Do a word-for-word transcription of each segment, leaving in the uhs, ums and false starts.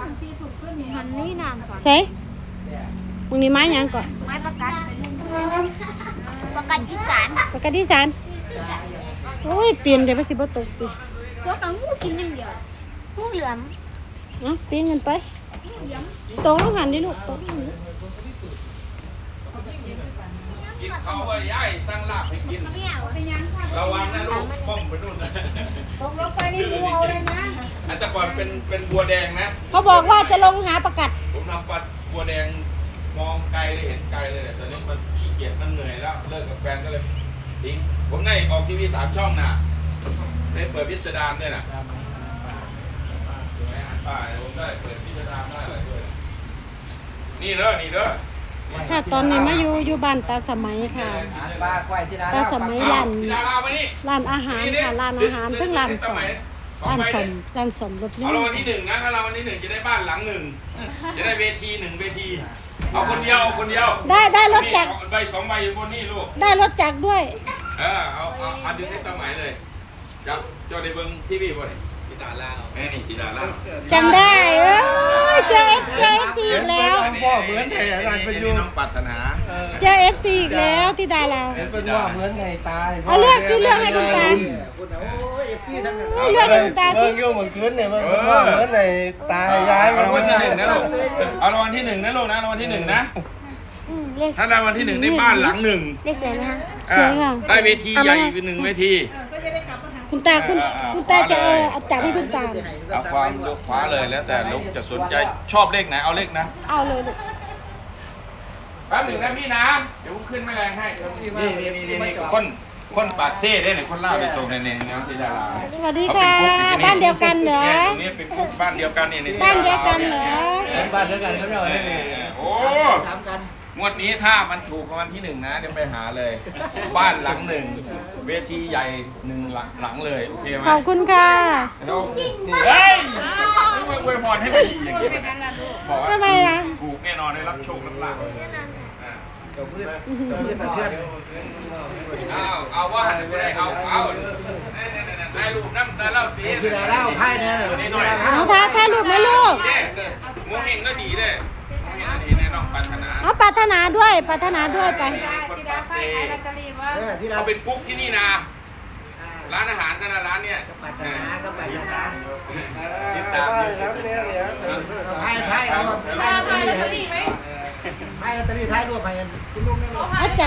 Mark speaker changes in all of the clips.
Speaker 1: มันนี่น้ำสอน
Speaker 2: ใส่มึงนี่ไม้ยังก่อน
Speaker 1: ไม้ประกัดประกัดอีสาน
Speaker 2: ปกติสารโอ้ยเปลี่ยนเดี๋ยวไปสิบ่ตกติ
Speaker 1: ตัวกับงูกินอย่างเดียวงูเหลือม
Speaker 2: เอ้าเปลี่ยนกันไปตกลงหันดิลูกตกลงหัน
Speaker 3: กินเขาว่าย่ายสร้างลาบให้กิน
Speaker 1: เนี่ยเป็นยังค่ะ
Speaker 3: ระวังนะลูกป้อมไปนู่นนะ
Speaker 1: ตกลงไปนี่งูเอาเลยนะ
Speaker 3: อันแต่ก่อนเป็นเป็นบัวแดงนะ
Speaker 2: เขาบอกว่าจะลงหาประกัด
Speaker 3: ผมทำปลาบัวแดงมองไกลเลยเห็นไกลเลยแต่ตอนนี้มันขี้เกียจมันเหนื่อยแล้วเลิกกับแฟนก็เลยทิ้งผมได้ออกทีวีสามช่องน่ะได้เปิดพิสดารด้วยน่ะถูกไหมอ่านป้ายผมได้เปิดพิสดารได้อะไรด้วยนี่เด้อนี่เด้อ
Speaker 2: ค่ะตอนนี้มาอยู่อยู่บ้านตาสมัยค่ะ
Speaker 4: ปลาควายที่ร้าน
Speaker 2: ตาสมัยร้าน
Speaker 3: ที่ดารามานี่
Speaker 2: ร้านอาหารค่ะร้านอาหารเพิ่งร้านสมร้านสมร้านสมรถ
Speaker 3: เอา
Speaker 2: นี่
Speaker 3: รางวัลที่หนึ่งนะถ้ารางวัลที่หนึ่งจะได้บ้านหลังหนึ่งจะได้เวทีหนึ่งเวทีเอาคนเดียวเอาคนเดียว
Speaker 2: ได้ได้รถจักร
Speaker 3: เอาใบสองใบอยู่บนนี่ลูก
Speaker 2: ได้รถจักรด้วย
Speaker 3: เออเอาเอาเอาดึงให้ตาหมายเลยเจ้าเจ้าได้เบิ้งทีวีบ่เนี่ยกีตาร์ล่าแม่นี่กีตาร์ล่า
Speaker 2: จำได้เอ้ยเจอเอฟเจอเอฟซีอีกแล้ว
Speaker 4: พ่อเหมือนไงร้านประยุกต์
Speaker 3: น้องปรารถนา
Speaker 2: เจอเอฟซีอีกแล้วที่ดารา
Speaker 4: เป็นว่าเหมือนไงตาย
Speaker 2: เอาเลือกสิเลือกให้คุณตา
Speaker 4: เอฟซีทั้งนั้น
Speaker 2: เฮ้ยเลือกให้คุณตาสิ
Speaker 4: เมื่อกี้เหมือนคืนเนี่ยมันว่าเหมือนไงตายย้าย
Speaker 3: เอารางวัลที่หนึ่งนะลูกเอารางวัลที่หนึ่งนะลูกนะรางวัลที่หนึ่งนะ
Speaker 2: อืมเลข
Speaker 3: ถ้ารางวัลที่หนึ่งได้บ้านหลังหนึ่ง
Speaker 1: เลขสวยไหมคะ
Speaker 2: สวยค่ะ
Speaker 3: ได้เวทีใหญ่อีกหนึ่งเวที
Speaker 2: คุณตาคุณคุณตาจะเอาเอาจักรให้คุณตา
Speaker 3: เอาความลูกคว้าเลยแล้วแต่ลูกจะสนใจชอบเลขไหนเอาเลขนะ
Speaker 2: เอาเลยลูก
Speaker 3: แป๊บหนึ่งนะพี่นะเดี๋ยวผมขึ้นแม่แรงให้นี่นี่นี่นี่คนคนปากเซ่ได้เนี่ยคนเล่าโดยตรงในเนี่ยนะที่ดารา
Speaker 2: สวัสดีค่ะบ้านเดียวกันเหรอ
Speaker 3: เนี่ยตรงนี้เป็นคุกบ้านเดียวกันเนี่ย
Speaker 2: บ้านเดียวกันเหรอ
Speaker 4: บ้านเดียวกันเขาเรียกว่า
Speaker 3: โอ้งวดนี้ถ้ามันถูกรางวัลที่หนึ่งนะเดี๋ยวไปหาเลย บ้านหลังหนึ่งเวทีใหญ่หนึ่งหลังหลังเลยโอเคไหม
Speaker 2: ขอบคุณค่ะ
Speaker 3: เฮ้ยไม่อวยพรให้ไปดีอย่างนี้บอกว่า
Speaker 2: ทำไมล่ะ
Speaker 3: ถูกแน่นอนได้รับโชครับลาภ
Speaker 4: เจ้าพืชเจ้าพืชสะเทือน
Speaker 3: เอาเอาว่าหันไปได้เอาเอาได้รูปน้ำได้เล่าดี
Speaker 4: ที่ดาราไพ่เนี่ยเลยที่ดารา
Speaker 2: เอาถ่ายถ่ายรูปไหมลูก
Speaker 3: โมเฮงก็ดีเด้โมเฮงก็ดีแน่นอนปรารถนา
Speaker 2: เอาปรารถนาด้วยปรารถนาด้วยไป
Speaker 3: ที่ดาไฟขายลอตเตอรี่ว่า
Speaker 4: ที่ดา
Speaker 3: เขาเป็นปุ๊กที่นี่นะร้านอาหารกันนะร้านเนี่ย
Speaker 4: ปัตตาก็ปัตตา
Speaker 3: ติดตาม
Speaker 4: ครับเนี่ยเนี่ยไพ่ไพ่เอาไพ่ลอตเตอรี่ไพ่ลอตเตอรี่ท้ายรวมไปกันคุณลุงเนี่ย
Speaker 2: เอาจับ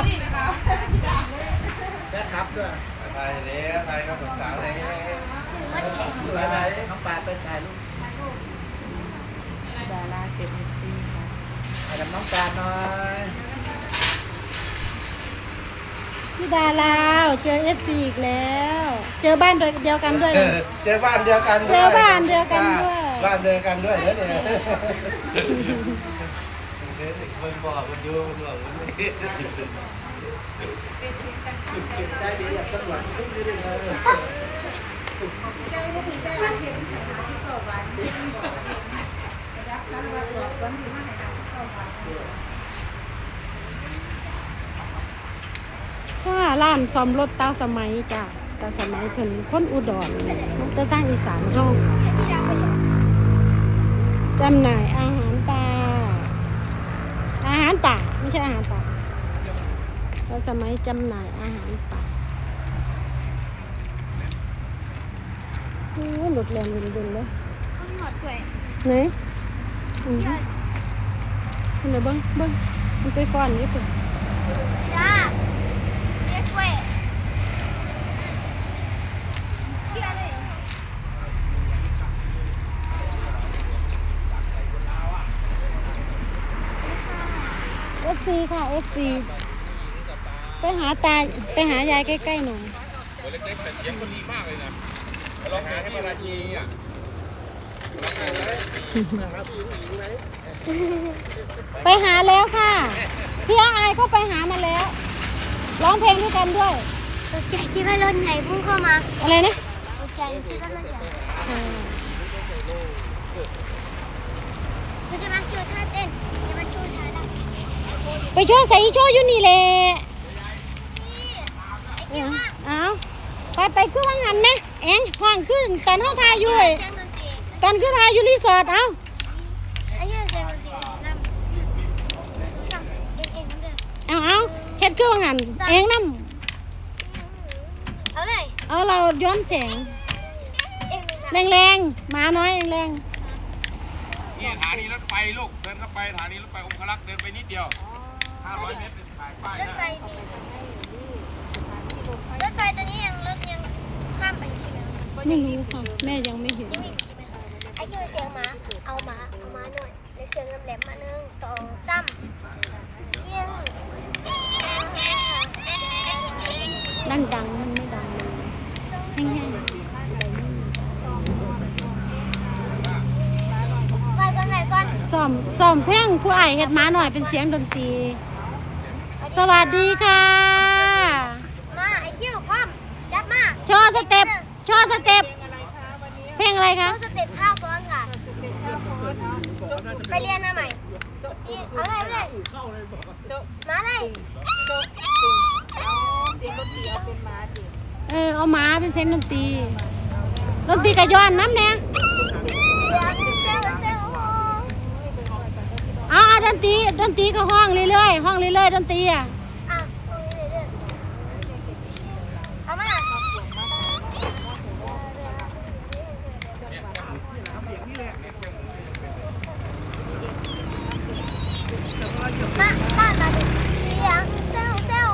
Speaker 4: แฟนครับด้วยไทยเนี่ยไทยกับศึกษาไหนสวยไหมน้องปาดไปถ่ายรูป
Speaker 2: ดาราเก็บเอฟซีค่ะ
Speaker 4: ถ่ายกับน้องปาดหน่อย
Speaker 2: พี่ดาราเจอเอฟซีอีกแล้ว เจอบ้านเดียวกันด้วยนะ
Speaker 4: เจอบ้านเดียวกัน
Speaker 2: เจอบ้านเดียวกันด้วย
Speaker 4: บ้านเดียวกันด้วยเนี่ยมันบอกมันอยู่มันบอกมันไม่ใจดีเรียบตำรวจทุกเรื่องเลย
Speaker 1: ใจก็คือใจว่าเทียนไข่มาที่เก้าวันรับการมาสอบวันที่ห้าไหนนะเก้าวัน
Speaker 2: ค่ะร้านซ่อมรถตาสมัยจ้ะตาสมัยเพิ่นคนอุดรมันจะตั้งอีสานเฮาจำหน่ายอาหารป่าอาหารป่าไม่ใช่อาหารป่าตาสมัยจำหน่ายอาหารป่าโอ้หลุดแรงดุนๆเลย
Speaker 1: ต้องหมดด้วย
Speaker 2: ไหนอืมเห็นไหมเบิ้งเบิ้งมันไปฟ้อนอยู่พุ่น
Speaker 1: จ้าเรียกด้วยเรียกเลย
Speaker 2: เอฟซีค่ะเอฟซีไปหาตาไปหายายใกล้ๆหน่อย
Speaker 3: ตัวเล็กๆแต่เสียงคนดีมากเลยนะลองหาให้มาราชีอ่ะ
Speaker 2: ไปหาแล้วค่ะพี่อาไอายก็ไปหามาแล้วร้องเพลงด้วยกันด้วย
Speaker 1: ตกใจคิดว่ารถไหนพุ่งเข้ามา
Speaker 2: อะไรนะ
Speaker 1: ตกใจคิดว่ารถใหญ่
Speaker 2: อ่า
Speaker 1: เราจะมาโชว์ท่าเต้นจะมาโชว์ท่าดัง
Speaker 2: ไปโชว์ใส่โชว์อยู่นี่แหละ
Speaker 1: นี่ไอ้เกี่ยวมาก
Speaker 2: เอาไปไปขึ้นวังหันไหมเอ็งห้องขึ้นตอนห้องทายอยู่เว้ย
Speaker 1: เสียงดนตรี
Speaker 2: ตอนขึ้นทายอยู่รีสอร์ทเอา
Speaker 1: เ
Speaker 2: ฮ็ดคือว่างั้นเองนำ
Speaker 5: เอาเลย
Speaker 2: เอาเราย้อนแสง
Speaker 5: เอ็งเลยค่ะ
Speaker 2: แรงๆหมาน้อยแรง
Speaker 3: นี่สถานีรถไฟลูกเดินเข้าไปสถานีรถไฟองครักษ์เดินไปนิดเดียวห้าร้อยเมตรเป็นถ่ายป้าย
Speaker 5: รถ
Speaker 3: นะ
Speaker 5: ไฟนี่รถไฟตัวนี้ยังรถยังข้ามไปอยู่ใช่ไหม
Speaker 2: ๆไม่รู้ค่ะแม่ยังไม่เห็น
Speaker 5: ยังไม่อยู่ใช่ไหมคะไอ้คิวเสียงหมาเอาหมาเอาหมาหน่อยเลยเสียงแหลมๆมาหนึ่งสองสามเยี่ยง
Speaker 2: ดังๆมันไม่ดังเลยแห้ง
Speaker 5: ไปก่อนไหนก่อน
Speaker 2: ๆซ่อมซ่อมเพลงผู้อ้ายเฮ็ดหมาน้อยเป็นเสียงดนตรีสวัสดีค่ะ
Speaker 5: มาไอ้คิวพร้อมจับมา
Speaker 2: โชว์สเต็ปโชว์สเต็ปเพลงอะไร
Speaker 5: โช
Speaker 2: คะ
Speaker 5: ว์สเต็ปท่าฟ้อนค่ะไปเรียนมาใหม่อีเอาเลยเอาเลยมาเลย
Speaker 2: เออเอาหมาเป็นเสียงดนตรีดนตรีกระย้อนน้ำแน่
Speaker 5: เสียงเซลเซล
Speaker 2: เอาเอาดนตรีดนตรีก็ห้องเรื่อยๆห้องเรื่อยๆดนตรีอ่ะ
Speaker 5: อ่ะตรงนี้เลยเอามา มาบ้านมาดิเสียงเซลเซล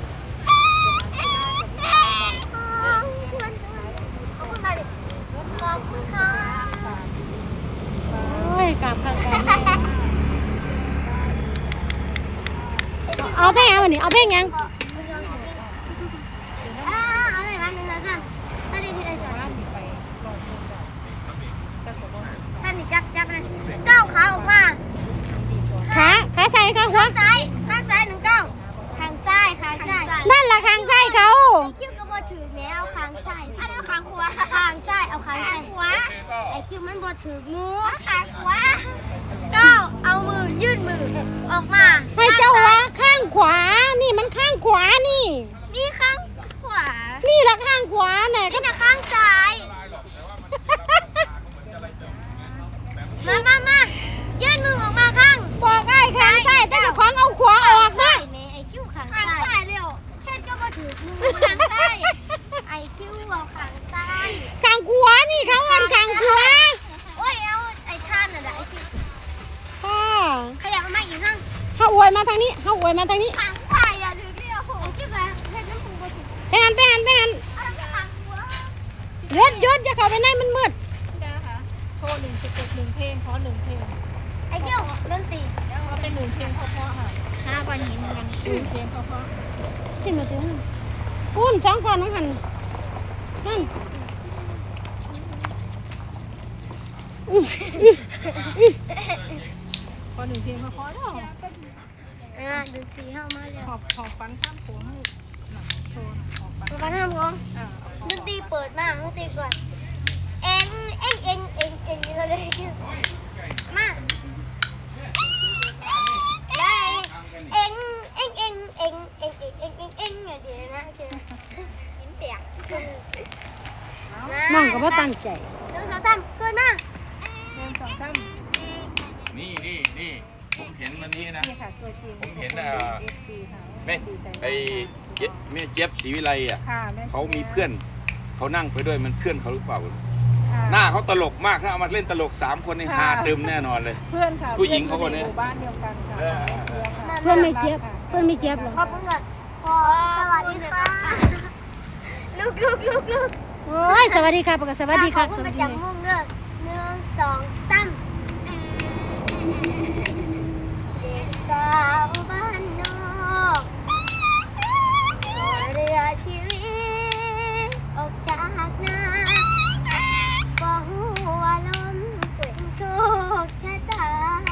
Speaker 5: ควรเอาคุณมาดิขอบคุณค่ะ
Speaker 2: โอ้ยกราบค่ะกราบแม่เอาเพลงเอาวันนี้เอาเพลงยัง
Speaker 5: อ่าเอาเลยมาหนึ่งสองสามถ้าดีที่ไอ้สอนท่านนี่จับจับเลยก้าวขาออกมา
Speaker 2: ขาขาใส่ขาหัว
Speaker 5: ข้างซ้ายข้างซ้ายหนึ่งก้าวข้างซ้ายข้างซ้าย
Speaker 2: นั่นล่ะข้างใส่เขา
Speaker 5: ไอ้คิวก็บ่ถือแม้เอาข้างซ้ายอันนี้ข้างขวาข้างซ้ายเอาข้างซ้ายขวาไอ้คิวมันบ่ถืองูข้างขวาก้าวเอามือยื่นมือออกมา
Speaker 2: ให้เจ้าว่าข้างขวานี่มันข้างขวานี่
Speaker 5: นี่ข้างขวา
Speaker 2: นี่ละข้างขวาเนี่ย
Speaker 5: นี่นะข้างซ้ายมามามายื่นมือออกมาข้าง
Speaker 2: บอกไอ้ข้างใส่แต่เจ้าของเอาขวาออกนะ
Speaker 5: แม่ไอคิวขางซ้ายเร็วแค่ก็มาถืองูขางซ้ายไอคิวเอาขางซ้าย
Speaker 2: ข้างขวานี่เขาเอินข้างขวา
Speaker 5: โอ้ยเอาไอท่านน่ะไอคิว
Speaker 2: ค่ะ
Speaker 5: ขยับมาอีกข้าง
Speaker 2: เฮาอวยมาทางนี้เฮาอวยมาทางนี้
Speaker 5: ขางซ้ายอ่ะถือเดียวไอคิวแบบเห็นน้ำปูมาถือ
Speaker 2: ไปหันไปหันไปหัน
Speaker 5: อะไรก็ขางหัว
Speaker 2: ยศยศจะเข้าไปในมันมืด
Speaker 1: โชว์หนึ่งสเต็ปหนึ่งเพลงขอหนึ่งเพลง
Speaker 5: ไอคิวดนตรี
Speaker 1: ก็เป็นหนึ่งเพลงเพราะๆค่ะ
Speaker 5: ห้าก้อนหินกัน
Speaker 1: หนึ่งเพลงเพราะ
Speaker 2: ขึ้นมาถึงปูนสองคนน้องหันนั่น
Speaker 1: ๆขอหนึ่งเพลงเพราะๆเนาะ
Speaker 5: อ่าดนตรีเข้ามาแล้ว
Speaker 1: หอบหอบฟันข้ามโขงให้หน่อยโชว์หน่อยหอบฟัน
Speaker 5: มาทำกอง
Speaker 1: อ่า
Speaker 5: ดนตรีเปิดมาดนตรีก่อนเอ็งเอ็งเอ็งเอ็งเอ็งนี่เลยมาได้เอ็งเอ็งเอ็งเอ็งเอ็งเอ็งเอ็งเอ็งเอ็งอย่างเดียวนะคือยิ้มเปียก
Speaker 2: น้องก็บ่ตั้งใจ
Speaker 5: หนึ่งสองสามขึ้นมา
Speaker 1: หนึ่งสองสาม
Speaker 3: นี่นี่นี่ผมเห็นวันนี้นะ
Speaker 1: นี่ค่ะตัวจริง
Speaker 3: ผมเห็นเอ่อ
Speaker 1: เอฟซีค่ะ
Speaker 3: แม่
Speaker 1: ดีใจ
Speaker 3: ไอ้เจ๊แม่เจี๊ยบศรีวิไลอ่ะ
Speaker 1: ค่ะแม่
Speaker 3: เขามีเพื่อนเขานั่งไปด้วยมันเพื่อนเขาหรือเปล่า
Speaker 1: ค่ะ
Speaker 3: หน้าเขาตลกมากถ้าเอามาเล่นตลกสามคนนี่ฮาเติมแน่นอนเลย
Speaker 1: เพื่อนค่ะ
Speaker 3: ผู้หญิงเขาคนนี้
Speaker 1: หมู่บ้านเดียวกันค่ะ
Speaker 3: เออ
Speaker 1: แม่เจี๊ยบค่ะ
Speaker 2: เพื่อนไม่เจ็บเพื่อนไม่เจ็บหรอ
Speaker 5: ขอบคุณก่อนขอสวัสดีค่ะลูกลูกลูกลูก
Speaker 2: โอ้ยสวัสดีค่ะปกติสวัสดีค่ะ
Speaker 5: ขอบ
Speaker 2: ส
Speaker 5: คุณ
Speaker 2: วั
Speaker 5: ป
Speaker 2: ส
Speaker 5: ระ
Speaker 2: ดี
Speaker 5: จำมุ่งเด้อหนึ่งสองสามเด็กสาวบ้านนอกขอเรือชีวิตออกจากนาบ่ฮู้ว่าลมเป็นโชคชะตา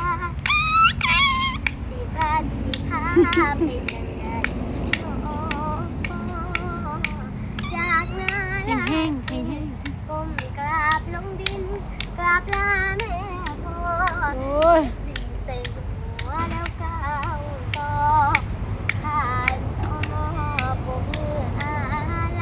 Speaker 5: สิพาสิพาเป็นจังไดโอ้จากนา
Speaker 2: แห้ง
Speaker 5: ลา
Speaker 2: แห้งแห้งแห้ง
Speaker 5: ก้มกราบลงดินกราบลาแม่พ่อ
Speaker 2: โอ้ย
Speaker 5: ใส่หัวแล้วก้าวต่อผ่านอ้อปมมืออะไร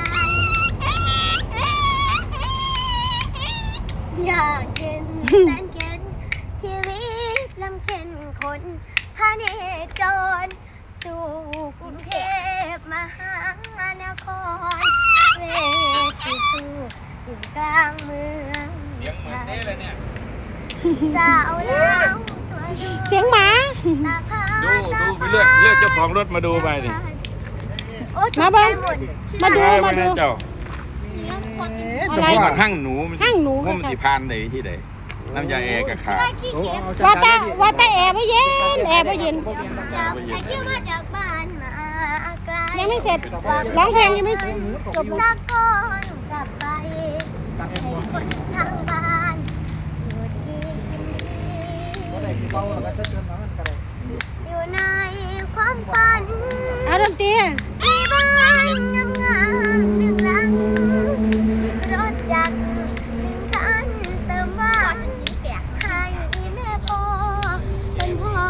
Speaker 5: อยากเห็นแสนเข็นชีวิตลำเข็นคนพาเนจรสู่กรุงเทพมหานครเวทีสู่อยู่กลางเมือง
Speaker 3: เสียงเหมือนเด้เลยเนี่ย
Speaker 5: สาวลาวตัวน้อย
Speaker 2: เสียงหมา
Speaker 5: ตาพา
Speaker 3: ดูดูไปเลือกเลือกเจ้าของรถมาดูไปดิ
Speaker 5: โอ้ย
Speaker 2: มาเบิ่ง
Speaker 5: ตกใจหด
Speaker 2: มาดู
Speaker 3: เออ
Speaker 2: มา
Speaker 3: ไป
Speaker 2: ดู
Speaker 3: นะเจ้า
Speaker 2: อะไร
Speaker 3: พวกมันหั่งหนูมัน
Speaker 2: หั่งหนู
Speaker 3: พวกมันติพานเลยที่ไหนน้ำยาแอร์กับขา
Speaker 4: โอ้เอา
Speaker 2: ว่า
Speaker 4: จัด
Speaker 2: แต่
Speaker 4: การ
Speaker 2: ว่าแต่แอร์ไม่เย็นแอร์ไม่เย็น
Speaker 5: จากไอ้ชื่อมาจากบ้านมาไกล
Speaker 2: ยังไม่เสร็จร้องเพลงยังไม่จบ
Speaker 5: สักก้อนกลับไปให้คนทางบ้านอยู่ดีกินดี
Speaker 4: เบาแล้วก็จะเติมน้ำมันก็ได้
Speaker 5: อยู่ในความฝัน
Speaker 2: เอาดนตรี
Speaker 5: มีบ้านงามงามๆหนึ่งหลังรถจักรหนึ่งคันเติมว่างให้แม่พ่อเป็นพ่อ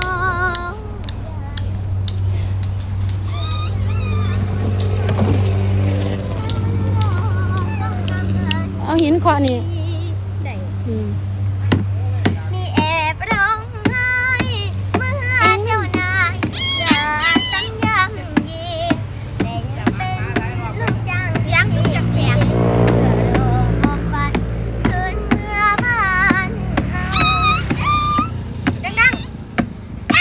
Speaker 2: เอาหินเคาะนี่อืม
Speaker 5: มีแอบร้องไห้เมื่อเจ้านายลาสัญญายีแต่ยังเป็นลูกจ้างเสียงลูกจักแหลกเพื่อรอมอบฝันคืนเมื่อบ้านเฮาดังๆ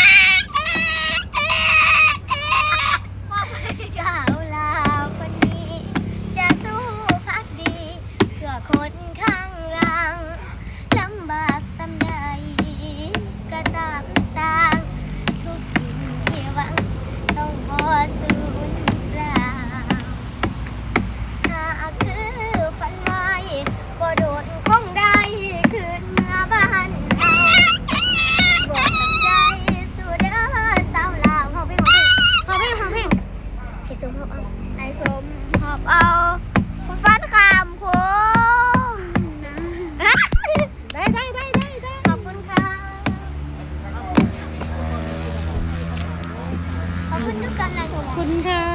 Speaker 5: มอบให้สาวลาวคนนี้ จะสู้พักดี เพื่อคนข้างหลังลำบากสำใดก็ตามสร้างทุกสิ่งที่หวังต้องบ่สูญเปล่าหากคือฝันไว้บ่โดนคงได้คืนเมื่อบ้านเฮาบอกตั้งใจสู่เด้อสาวลาวเฮาเพลงเฮาเพลงเฮาเพลงให้สมหอบเอาให้สมหอบเอาฟันขามโค
Speaker 2: ได้ได้ได้ได้ได้
Speaker 5: ขอบคุณค่ะ ขอบคุณทุกกำลังใจ
Speaker 2: ขอบคุณค่ะ